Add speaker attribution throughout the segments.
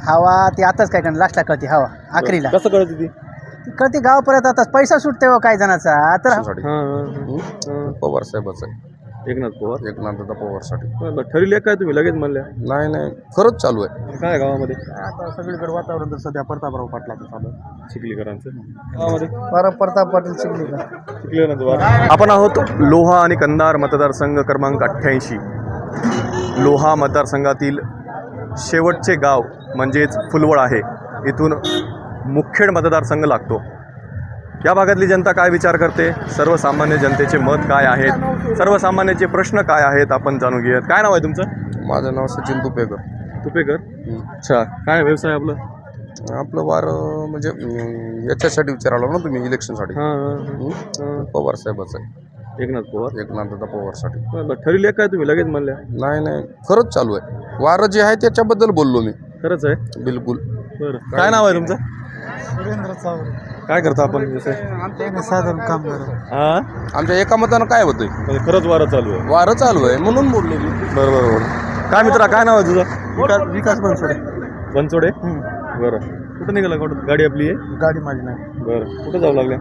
Speaker 1: हवा ती आताच काय करणार, लास्टला कळते हवा आखरीला.
Speaker 2: कसं कळते ती?
Speaker 1: ती कळते गावापर्यंत. आता पैसा सुटते हो काही जणाचा तर.
Speaker 3: पवार साहेबाचं आहे.
Speaker 2: एकनाथ पवार.
Speaker 3: एकनाथ पवारसाठी.
Speaker 2: ठरले काय तुम्ही लगेच म्हणल्या?
Speaker 3: नाही नाही, खरंच चालू आहे.
Speaker 2: काय गावामध्ये
Speaker 3: आता सगळीकडे वातावरण तर सध्या प्रतापराव पाटलाचं चालू आहे.
Speaker 2: चिखलीकरांचं गावामध्ये
Speaker 1: प्रताप पाटील चिखलीकर.
Speaker 2: चिखलीकरांचं. आपण आहोत लोहा आणि कंधार मतदारसंघ क्रमांक 88. लोहा मतदारसंघातील शेवटचे गाव म्हणजेच फुलवळ आहे. इथून मुखेड मतदारसंघ लागतो. या भागातली जनता काय विचार करते, सर्वसामान्य जनतेचे मत काय आहेत, सर्वसामान्याचे प्रश्न काय आहेत, आपण जाणून घेऊयात. काय नाव आहे तुमचं?
Speaker 3: माझं नाव सचिन तुपेकर.
Speaker 2: तुपेकर. अच्छा, काय व्यवसाय आपलं?
Speaker 3: आपलं वार म्हणजे याच्यासाठी विचारायला ना तुम्ही, इलेक्शनसाठी. पवार साहेबाचं आहे.
Speaker 2: एकनाथ पवार.
Speaker 3: एकनाथ पवारसाठी.
Speaker 2: ठरले काय तुम्ही लगेच म्हणल्या?
Speaker 3: नाही नाही, खरंच चालू आहे. वार जे आहे त्याच्याबद्दल बोललो मी.
Speaker 2: खरंच आहे?
Speaker 3: बिलकुल.
Speaker 2: बरं, काय नाव आहे तुमचं?
Speaker 1: सुरेंद्र चावरे.
Speaker 2: काय करता आपण व्यवसाय?
Speaker 1: साधारण काम करत.
Speaker 3: आमच्या एका मतानं काय होतंय?
Speaker 2: म्हणजे खरंच वारं चालू आहे?
Speaker 3: वारं चालू आहे म्हणून बोललो मी.
Speaker 2: बरोबर. काय मित्रा, काय नाव आहे तुझं?
Speaker 1: विकास बनसोडे.
Speaker 2: बनसोडे. बरं, कुठं निघाला? गाडी आपली आहे?
Speaker 1: गाडी माझी नाही.
Speaker 2: बरं, कुठं जाऊ लागल्या?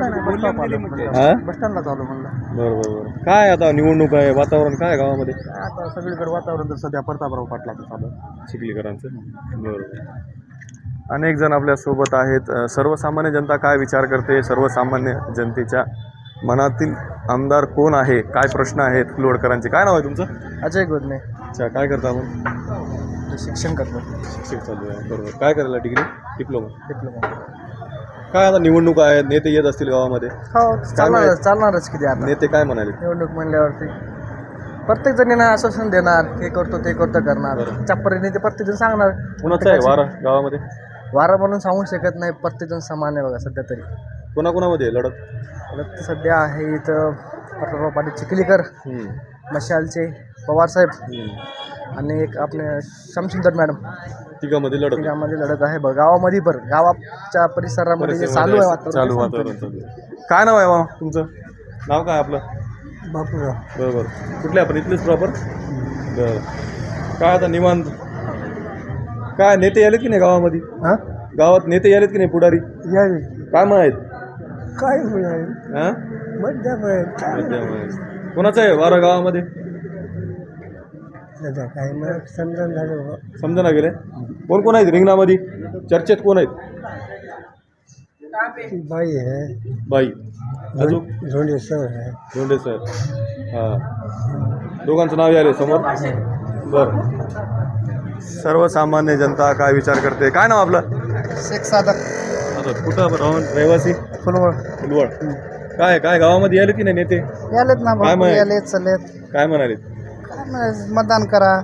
Speaker 1: बस स्टँडला चालू म्हणलं.
Speaker 2: बरं. काय आता निवडणूक आहे, वातावरण काय गावामध्ये?
Speaker 3: आता सगळीकडे वातावरण तर सध्या प्रतापराव पाटलाचं चालू आहे.
Speaker 2: चिखलीकरांचं. बरोबर. अनेक जण आपल्या सोबत आहेत. सर्वसामान्य जनता काय विचार करते, सर्वसामान्य जनतेच्या मनातील आमदार कोण आहे, काय प्रश्न आहेत फुलवडकरांचे? काय नाव आहे तुमचं?
Speaker 1: अजय गोदने.
Speaker 2: अच्छा, काय करता आपण?
Speaker 1: शिक्षण करतो.
Speaker 2: शिक्षण चालू आहे. बरोबर. काय करायला? डिग्री?
Speaker 1: डिप्लोमा.
Speaker 2: काय आता निवडणूक आहेत, नेते येत असतील गावामध्ये?
Speaker 1: हो, चालणारच किती आता.
Speaker 2: नेते काय म्हणाले?
Speaker 1: निवडणूक म्हणल्यावरती प्रत्येक जणींना आश्वासन देणार, हे करतो ते करतो करणार. चप्परीने ते प्रत्येक जण सांगणार.
Speaker 2: कुणाचं आहे वारा गावामध्ये?
Speaker 1: वारा म्हणून सांगू शकत नाही, प्रत्येक जण समान आहे बघा सध्या तरी.
Speaker 2: कोणाकोणामध्ये लढत?
Speaker 1: सध्या आहे इथं प्रतापराव पाटील चिखलीकर, मशालचे पवारसाहेब आणि एक आपले शमसुंदर मॅडम.
Speaker 2: तिघामध्ये
Speaker 1: लढत आहे बघ. गावामध्ये पण गावाच्या परिसरामध्ये जे चालू आहे वातावरण.
Speaker 2: काय नाव आहे बा तुमचं? नाव काय आपलं?
Speaker 1: बापूराव.
Speaker 2: बरोबर. कुठले आपण? इथलेच प्रॉपर? बरं. काय आता निवांत? काय नेते आलेत की नाही गावामध्ये? गावात नेते आलेत की नाही? पुढारी काय मग आहेत?
Speaker 1: काय
Speaker 2: कोणाचं आहे वारा गावामध्ये?
Speaker 1: काय
Speaker 2: समजा गेले. कोण आहेत रिंगणामध्ये? चर्चेत कोण आहेत?
Speaker 1: बाई आहे.
Speaker 2: बाई. अजून?
Speaker 1: झोंडे सर.
Speaker 2: हां, दोघांचं नाव आले समोर. बरं. सर्वसामान्य जनता काय विचार करते? काय नाव आपलं?
Speaker 1: शेख सादर.
Speaker 2: कुठं रहिवासी? फुलवळ. काय गावामध्ये आले की नाही नेते?
Speaker 1: यालेत ना.
Speaker 2: काय म्हणाले? काय म्हणाले?
Speaker 1: मतदान करा.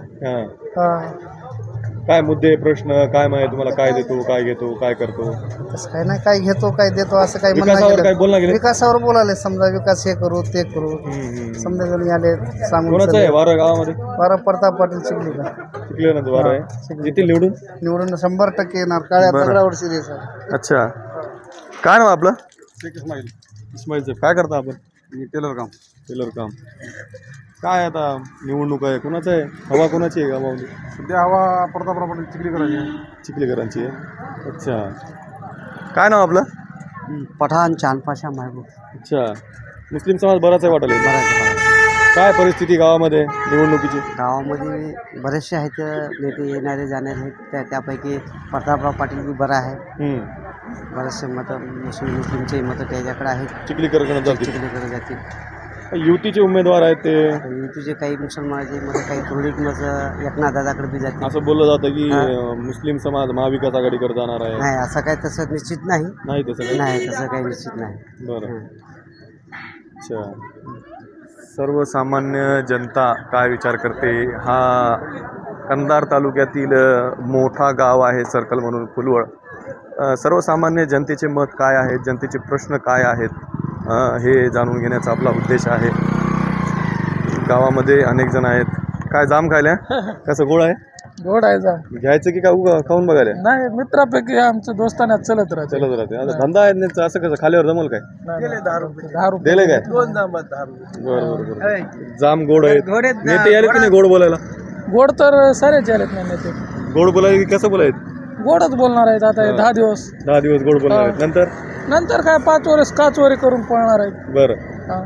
Speaker 2: काय मुद्दे, प्रश्न काय माहिती तुम्हाला? काय देतो, काय घेतो, काय करतो?
Speaker 1: तसं काय नाही, काय घेतो काय देतो असं काही
Speaker 2: काय बोलणं गेलं?
Speaker 1: विकासावर बोलाले. समजा विकास हे करू ते करू. समजा जण आले सांगून.
Speaker 2: कोणाचं आहे वारा गावामध्ये?
Speaker 1: वारा प्रताप पाटील चिखलीकर.
Speaker 2: चिखलीकरांचं वारा आहे. येतील
Speaker 1: निवडून 100% येणार. काळ्या दगडावर सिरियस आहे.
Speaker 2: अच्छा, काय नाव आपलं? इस्माईल. काय करता आपण? टेलर काम. काय आता निवडणूक आहे, कुणाचं आहे हवा? कोणाची आहे गावामध्ये
Speaker 3: सध्या हवा? प्रतापराव पाटील
Speaker 2: चिखलीकरांची आहे. अच्छा, काय नाव आपलं?
Speaker 1: पठाण चांदपाशा महबूब.
Speaker 2: अच्छा, मुस्लिम समाज बराच आहे वाटले. काय परिस्थिती गावामध्ये निवडणुकीची?
Speaker 1: गावामध्ये बरेचसे आहेत नेते येणारे जाणारे आहेत. त्यापैकी प्रतापराव पाटील बी बरा आहे. बरेचसे मतं मुस्लिमचे मतं त्याच्याकडे आहेत.
Speaker 2: चिखलीकरकडे
Speaker 1: जातील.
Speaker 2: युतीचे उमेदवार आहेत ते.
Speaker 1: युतीचे काही मुसलमानाचे मतं, काही तुरळक मतं एकनाथ दादाकडे बी जातील.
Speaker 2: असं बोललं जातं की मुस्लिम समाज महाविकास आघाडीकडे जाणार आहे.
Speaker 1: नाही, असं काही तसं निश्चित नाही. तसं काही निश्चित नाही.
Speaker 2: बरं. अच्छा, सर्वसामान्य जनता काय विचार करते? हा कंधार तालुक्यातील मोठा गाव आहे सर्कल म्हणून फुलवळ. सर्वसामान्य जनतेचे मत काय आहेत, जनतेचे प्रश्न काय आहेत, हे जाणून घेण्याचा आपला उद्देश आहे. गावामध्ये अनेक जण आहेत. काय जाम खायला? कसं गोड आहे?
Speaker 1: गोड आहे. जाम
Speaker 2: घ्यायचं की का खाऊन बघायला?
Speaker 1: नाही, मित्रापैकी आमच्या दोस्ताना चलत राहते.
Speaker 2: आता धंदा आहे त्यांचा. असं कसं खाल्यावर जमल काय?
Speaker 1: 10 रुपये
Speaker 2: दिले काय?
Speaker 1: 2 जांबात 10 रुपये.
Speaker 2: बरोबर. जाम गोड आहेत. नेते आले की नाही गोड बोलायला?
Speaker 1: गोड तर सारेच आलेत ना नेते.
Speaker 2: गोड बोलायला की कसं बोलायचं?
Speaker 4: गोडच बोलणार आहेत आता हे 10 दिवस.
Speaker 2: 10 दिवस गोड बोलणार आहेत. नंतर
Speaker 4: नंतर काय 5 वर्ष काचोरी करून पळणार आहेत.
Speaker 2: बरं.
Speaker 4: हा.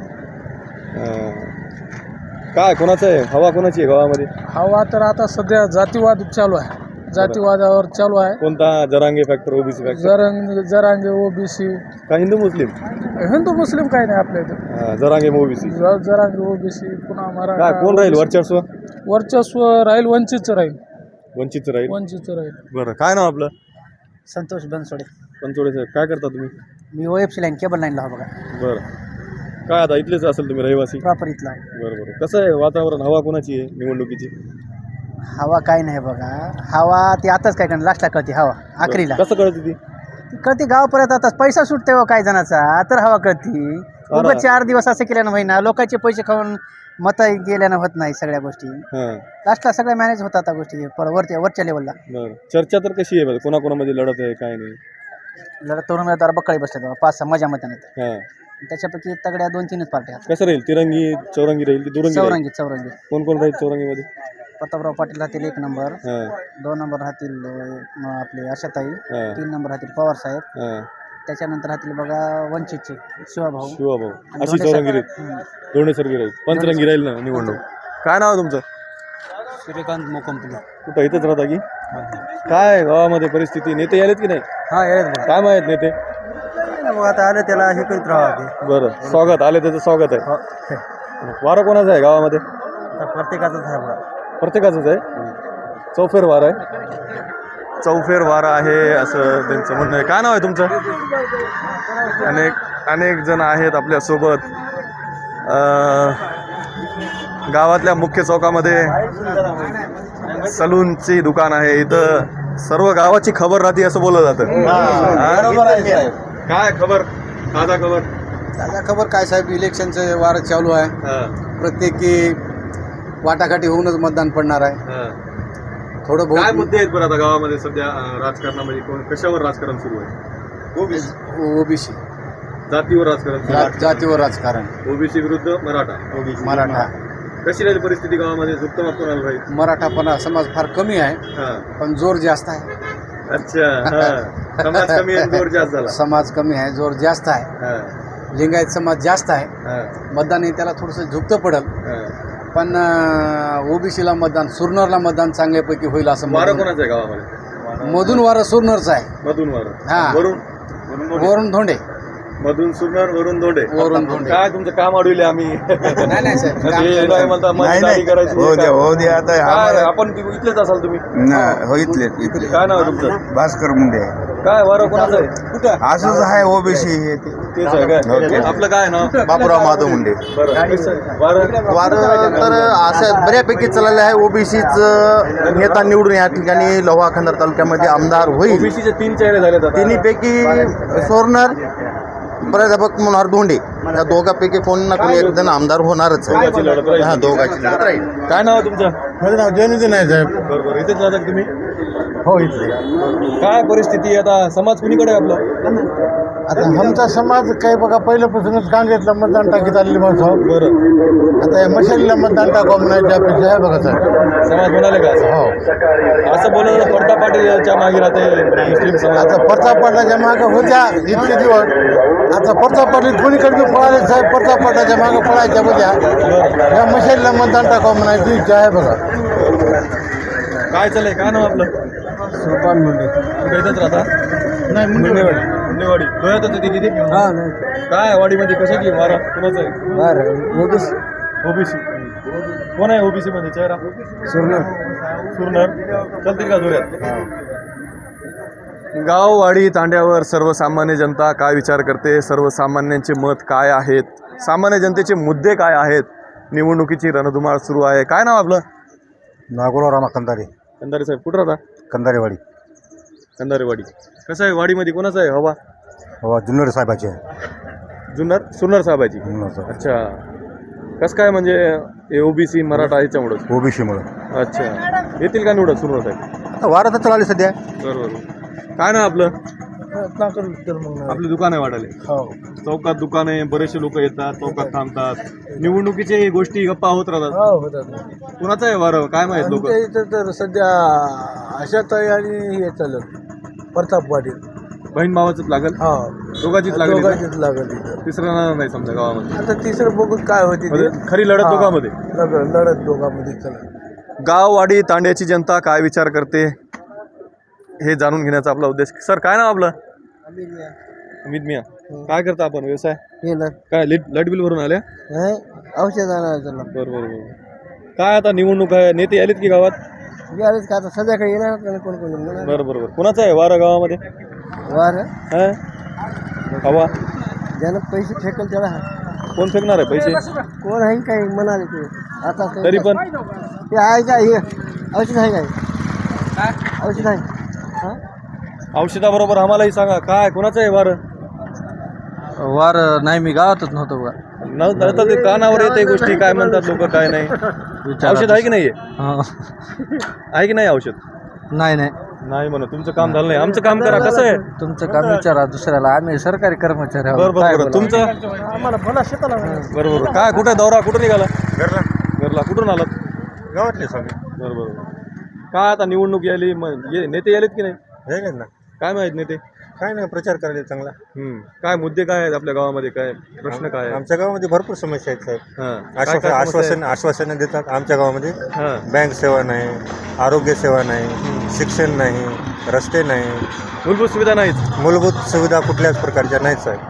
Speaker 2: काय कोणाचं आहे, हवा कोणाची आहे गावामध्ये?
Speaker 4: हवा तर आता सध्या जातीवाद चालू आहे. जातीवादावर चालू आहे.
Speaker 2: कोणता? Jarange factor, OBC factor,
Speaker 4: Jarange OBC
Speaker 2: का हिंदू मुस्लिम?
Speaker 4: हिंदू मुस्लिम काही नाही आपल्या इथे.
Speaker 2: जरांगे ओबीसी.
Speaker 4: जरांगे ओबीसी पुन्हा
Speaker 2: काय
Speaker 4: मराठा.
Speaker 2: कोण राहील वर्चस्व?
Speaker 4: वर्चस्व राहील वंचितचं राहील.
Speaker 2: वंचितचं राहील.
Speaker 4: वंचितचं राहील.
Speaker 2: बरं. काय नाव आपलं?
Speaker 1: संतोष बनसोडे.
Speaker 2: पंचोडे साहेब, काय करता तुम्ही?
Speaker 1: मी OFC लाईन केबल लाईनला हो बघा.
Speaker 2: बरं. काय आता इथलेच असेल तुम्ही रहिवासी?
Speaker 1: प्रॉपर इथला.
Speaker 2: बरं बरं. कसं आहे वातावरण, हवा कोणाची आहे निवडणुकीची?
Speaker 1: हवा काय नाही बघा. हवा ती आताच काय करणार, लास्टला कळते हवा, आखरीला
Speaker 2: कसं कळते ती?
Speaker 1: ती कळते गावापर्यंत. आता पैसा सुटते हो काही जणाचा तर हवा कळती. उगाच 4 दिवस असं केल्यानं होईना. लोकांचे पैसे खाऊन मतं गेल्यानं होत नाही सगळ्या गोष्टी.
Speaker 2: हां.
Speaker 1: लास्टला सगळ्या मॅनेज होतात आता गोष्टी वरच्या लेवलला.
Speaker 2: बरं. चर्चा तर कशी आहे बरं, कोणाकोणामध्ये लढत आहे काय नाही?
Speaker 1: लढत तरुण उमेदवार बक्कळी बसले 5-6 मजा मताने.
Speaker 2: हां.
Speaker 1: त्याच्यापैकी तगड्या 2-3च पार्ट्या.
Speaker 2: कसं राहील? तिरंगी चौरंगी राहील की दुरंगी राहील?
Speaker 1: चौरंगी.
Speaker 2: कोण कोण राहील चौरंगीमध्ये?
Speaker 1: प्रतापराव पाटील राहतील 1 नंबर.
Speaker 2: हां.
Speaker 1: 2 नंबर राहतील आपले आशाताई.
Speaker 2: हां.
Speaker 1: 3 नंबर राहतील पवार साहेब.
Speaker 2: हां.
Speaker 1: त्याच्यानंतर राहतील बघा वंचितचे शिवाभाऊ.
Speaker 2: शिवाभाऊ. अशी चौरंगी राहील. दोन्हीसर्गी राहील. पंचरंगी राहील ना निवडणूक. काय नाव आहे तुमचं?
Speaker 1: सूर्यकांत मोकंपले.
Speaker 2: कुठं इथंच राहता की काय? गावामध्ये परिस्थिती, नेते आलेत की नाही?
Speaker 1: हा येत
Speaker 2: काय माहीत नेते?
Speaker 1: मग आता आलं त्याला हे करीत राहा.
Speaker 2: बरं. स्वागत आले, त्याचं स्वागत आहे. वारं कोणाचं आहे गावामध्ये?
Speaker 1: प्रत्येकाचंच आहे बघा.
Speaker 2: प्रत्येकाचंच आहे. चौफेर वार आहे. चौफेर वारा आहे असं त्यांचं म्हणणं आहे. काय नाव आहे तुमचं? अनेक जण आहेत आपल्यासोबत. गावातल्या मुख्य चौकामध्ये सलूनची दुकान आहे. इथं सर्व गावाची खबर राहते असं बोललं जातं. काय खबर? ताजा खबर.
Speaker 5: ताजा खबर काय साहेब, इलेक्शनचं वार चालू आहे. प्रत्येकी वाटाघाटी होऊनच मतदान पडणार आहे. थोडं
Speaker 2: काय
Speaker 5: बहुत
Speaker 2: मुद्दे आहेत बरं आता गावामध्ये सध्या राजकारणामध्ये? कशावर राजकारण सुरू आहे?
Speaker 5: ओबीसी
Speaker 2: जातीवर राजकारण सुरू आहे.
Speaker 5: जातीवर राजकारण.
Speaker 2: ओबीसी विरुद्ध मराठा.
Speaker 5: मराठा.
Speaker 2: कशी राहील परिस्थिती गावामध्ये? झुकतं कोणाला राहील?
Speaker 5: मराठापणा समाज फार कमी आहे,
Speaker 2: हां.
Speaker 5: पण जोर जास्त आहे.
Speaker 2: अच्छा. हां. समाज कमी आहे, जोर जास्त झाला.
Speaker 5: समाज कमी आहे, जोर जास्त आहे.
Speaker 2: हां.
Speaker 5: लिंगायत समाज जास्त आहे.
Speaker 2: हां.
Speaker 5: मतदान हे त्याला थोडंसं झुकतं पडेल,
Speaker 2: हां.
Speaker 5: पण ओबीसीला मतदान, सुरनरला मतदान चांगल्यापैकी होईल असं
Speaker 2: वारं कोणाचं आहे गावामध्ये?
Speaker 5: मधून वारं सुरनरचं आहे.
Speaker 2: मधून वारं.
Speaker 5: हां. वरून धोंडे.
Speaker 2: मधून सुरणार, वरून धोंडे.
Speaker 5: वरून धोंडे.
Speaker 2: काय तुमचं काम अडविले आम्ही?
Speaker 5: नाही साहेब, काम
Speaker 2: हे
Speaker 5: चालू
Speaker 2: नाही
Speaker 5: आहे.
Speaker 2: म्हणता मतदारी करायची.
Speaker 6: हो द्या आता
Speaker 2: काय आपण इथलेच असाल तुम्ही?
Speaker 6: हो इथले
Speaker 2: काय नाव आहे तुमचं?
Speaker 6: भास्कर मुंडे
Speaker 2: काय वारं कोणाचं आहे? कुठं?
Speaker 6: असंच आहे ओबीसी हे ते
Speaker 2: तेच आहे काय? आपलं काय नाव?
Speaker 6: बापूराव माधव मुंडे.
Speaker 2: बरं. वारं
Speaker 6: वारं तर असं बऱ्यापैकी चाललेलं आहे. ओबीसीच नेता निवडून या ठिकाणी लोहा खंदार तालुक्यामध्ये आमदार होईल.
Speaker 2: ओबीसीचे 3 चेहरे झालेत आता.
Speaker 6: तिन्हीपैकी सोरणार, प्राध्यापक मनोहर धोंडे या दोघांपैकी कोण ना कोणी एक जण आमदार होणारच आहे.
Speaker 2: दोघांची लढत राहील.
Speaker 6: हा दोघांची लढत राहील.
Speaker 2: काय नाव आहे तुमचं?
Speaker 6: माझं नाव जयनुद्दीन आहे साहेब.
Speaker 2: बरोबर. इथेच राहता का तुम्ही?
Speaker 6: हो इथले.
Speaker 2: काय परिस्थिती आहे आता? समाज कुणीकडे आहे आपला?
Speaker 7: आता आमचा समाज काही बघा पहिल्यापासूनच काँग्रेसला मतदान टाकीत आलेली माणसं.
Speaker 2: बरं.
Speaker 7: आता या मशालीला मतदान टाकावं म्हणायची अपेक्षा आहे बघा सर.
Speaker 2: समाज म्हणाले का असं?
Speaker 7: हो.
Speaker 2: असं बोलणं पडता पाटीलच्या मागे राहते मुस्लिम समाज.
Speaker 7: आता प्रताप पाटलाच्या मागं होत्या इतके दिवस. आता प्रताप पाटील कोणीकडे पळाले साहेब, प्रताप पाटलाच्या मागं पळायच्या बघा. या मशालीला मतदान टाकावं म्हणायची इच्छा आहे बघा.
Speaker 2: काय चाललंय? काय नाव आपलं?
Speaker 7: सोपान मुंडे.
Speaker 2: इथंच राहता?
Speaker 7: नाही मुंडेवाडी.
Speaker 2: मुंडेवाडी. डोळ्यातच होती किती?
Speaker 7: हा नाही
Speaker 2: काय वाडीमध्ये कशाची वारा कोणाचं आहे?
Speaker 7: बरं ओबीसी.
Speaker 2: ओबीसी. कोण आहे ओबीसी मध्ये चेहरा?
Speaker 7: सुरनर.
Speaker 2: सुरनर. चलतील का जोऱ्यात? गाववाडी तांड्यावर सर्वसामान्य जनता काय विचार करते? सर्वसामान्यांचे मत काय आहेत? सामान्य जनतेचे मुद्दे काय आहेत? निवडणुकीची रणधुमाळ सुरू आहे. काय नाव आपलं?
Speaker 7: नागोराव रामा कंदारे.
Speaker 2: कंदारे साहेब, कुठं राहता?
Speaker 7: कंदारेवाडी.
Speaker 2: कंदारेवाडी. कसं आहे वाडीमध्ये कोणाचं आहे हवा?
Speaker 7: हो जुन्नर साहेबाची आहे.
Speaker 2: सुरनर साहेबाची. अच्छा. कसं काय म्हणजे ओबीसी मराठा याच्यामुळंच?
Speaker 7: ओबीसीमुळं.
Speaker 2: अच्छा. येतील का निवडत सुरनर साहेब?
Speaker 7: आता वारं तर चालली सध्या.
Speaker 2: बरोबर. काय नाव आपलं?
Speaker 7: नाकर विठ्ठल मंगळ
Speaker 2: आपले दुकान आहे वाटाले
Speaker 7: हो
Speaker 2: चौकात दुकान आहे, बरेचसे लोक येतात, चौकात थांबतात, निवडणुकीचे गोष्टी गप्पा होत राहतात.
Speaker 7: हो होतात
Speaker 2: कुणाचं आहे वारं काय माहित लोक?
Speaker 7: आमच्या इथं तर सध्या आशाताई आणि हे चालत प्रताप पाटील
Speaker 2: बहीण भावाचंच लागल,
Speaker 7: हा
Speaker 2: दोघांचीच लागेल,
Speaker 7: दोघांचीच लागत इथं.
Speaker 2: तिसरं नाही समजा गावामध्ये.
Speaker 7: आता तिसरं बघून काय होते ते.
Speaker 2: म्हणजे खरी लढत
Speaker 7: हा.
Speaker 2: दोघांमध्ये.
Speaker 7: लढत दोघांमध्ये चला.
Speaker 2: गाववाडी तांड्याची जनता काय विचार करते हे जाणून घेण्याचा आपला उद्देश. सर काय नाव आपलं? अमित मिया. काय करता आपण व्यवसाय? काय लाईट बिल भरून आल्या?
Speaker 1: औषध आणायचं
Speaker 2: बरोबर. काय आता निवडणूक आहे, नेते आलेत की गावात?
Speaker 1: यावेळेस का आता संध्याकाळी येणार कोण कोण
Speaker 2: बरोबर. कुणाचं आहे वारं गावामध्ये?
Speaker 1: वार
Speaker 2: हा? हवा
Speaker 1: ज्यानं पैसे फेकल त्याला
Speaker 2: कोण फेकणार आहे पैसे?
Speaker 1: कोण आहे काही म्हणाले ते आता
Speaker 2: तरी पण
Speaker 1: ते आहे का हे औषध आहे काय औषध आहे हां
Speaker 2: औषधाबरोबर आम्हालाही सांगा काय कोणाचं आहे वारं?
Speaker 1: वार नाही मी गावातच नव्हतो बघा
Speaker 2: नव्हतं ते कानावर येते गोष्टी काय म्हणतात लोक काय नाही. औषध आहे की नाही आहे की नाही औषध?
Speaker 1: नाही नाही
Speaker 2: नाही म्हणा तुमचं काम झालं नाही. आमचं काम करा. कसं आहे
Speaker 1: तुमचं काम विचारा दुसऱ्याला आम्ही सरकारी कर्मचारी आहोत.
Speaker 2: बरोबर. तुमचं
Speaker 7: आम्हाला भला शेताला
Speaker 2: बरोबर. काय कुठे दौरा कुठं निघाला? घरला कुठून आलात?
Speaker 6: गावातले सगळे
Speaker 2: बरोबर. काय आता निवडणूक यायली नेते यायलेत की नाही?
Speaker 6: हे ना
Speaker 2: काय माहित नेते
Speaker 6: काय नाही प्रचार करायला चांगला.
Speaker 2: काय मुद्दे काय आहेत आपल्या गावामध्ये? काय प्रश्न काय आहे?
Speaker 6: आमच्या गावामध्ये भरपूर समस्या आहेत साहेब.
Speaker 2: हां. काय काय समस्या आहेत?
Speaker 6: आश्वासनं देतात आमच्या गावामध्ये.
Speaker 2: हां.
Speaker 6: बँक सेवा नाही, आरोग्य सेवा नाही, शिक्षण नाही, रस्ते नाही,
Speaker 2: मूलभूत सुविधा नाहीत.
Speaker 6: मूलभूत सुविधा कुठल्याच प्रकारच्या नाहीत साहेब.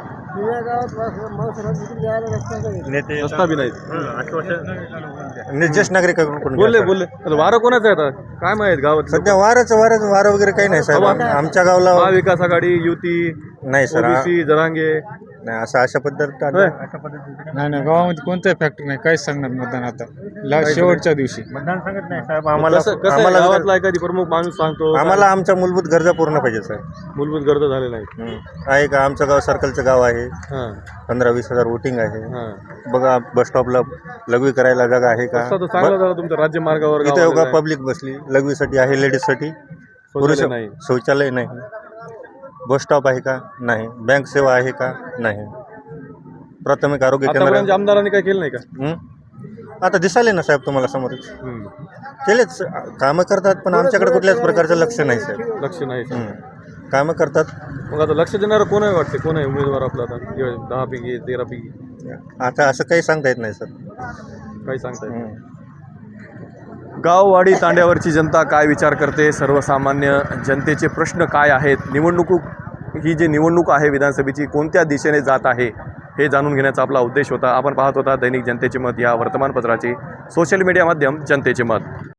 Speaker 2: नेते रस्ता बी नाहीत.
Speaker 6: ज्येष्ठ नागरिकांकडून
Speaker 2: बोलले वारं कोणाचं आहे आता काय माहित गावात?
Speaker 6: सध्या वारं वगैरे काही नाही साहेब. आमच्या गावाला
Speaker 2: महाविकास आघाडी युती
Speaker 6: नाही सर.
Speaker 2: ओबीसी जरांगे
Speaker 6: नाही असं अशा पद्धत
Speaker 4: नाही गावामध्ये कोणताही फॅक्टर नाही काहीच सांगणार मतदान आता शेवटच्या दिवशी
Speaker 6: मतदान सांगत नाही साहेब. आम्हाला
Speaker 2: आम्हाला गावातला एखादी प्रमुख माणूस सांगतो
Speaker 6: आम्हाला आमच्या मूलभूत गरजा पूर्ण पाहिजे साहेब.
Speaker 2: मूलभूत गरजा झालेल्या नाहीत.
Speaker 6: आहे का आमचं गाव सर्कलचं गाव आहे.
Speaker 2: हां
Speaker 6: 15-20 हजार वोटिंग आहे.
Speaker 2: हां.
Speaker 6: बघा बस स्टॉपला लघवी करायला जागा आहे का?
Speaker 2: रस्ता तर चांगला झाला तुमच्या राज्यमार्गावर
Speaker 6: इथे
Speaker 2: गावाला
Speaker 6: योगा
Speaker 2: जाय.
Speaker 6: पब्लिक बसली लघवीसाठी आहे, लेडीजसाठी. पुरुष
Speaker 2: शौचालय नाही.
Speaker 6: शौचालय नाही. बस स्टॉप आहे का? नाही. बँक सेवा आहे का? नाही. प्राथमिक आरोग्य
Speaker 2: आतापर्यंत
Speaker 6: केंद्र
Speaker 2: आमदारांनी काय केलं नाही का?
Speaker 6: आता दिसाले ना साहेब तुम्हाला समोरच. केलेच कामं करतात पण आमच्याकडे कुठल्याच प्रकारचं लक्ष नाही साहेब.
Speaker 2: लक्ष नाही.
Speaker 6: कामं करतात.
Speaker 2: मग आता लक्ष देणारं कोण आहे वाटते? कोण आहे उमेदवार आपला आता 10 पैकी 13 पैकी?
Speaker 6: आता असं काही सांगता येत नाही सर.
Speaker 2: काही सांगता येत नाही. गाववाडी तांड्यावरची जनता काय विचार करते? सर्वसामान्य जनतेचे प्रश्न काय आहेत? ही जी निवडणूक आहे विधानसभेची कोणत्या दिशेने जात आहे हे जाणून घेण्याचा आपला उद्देश होता. आपण पाहत होता दैनिक जनतेचे मत या वर्तमानपत्राचे सोशल मीडिया माध्यम जनतेचे मत.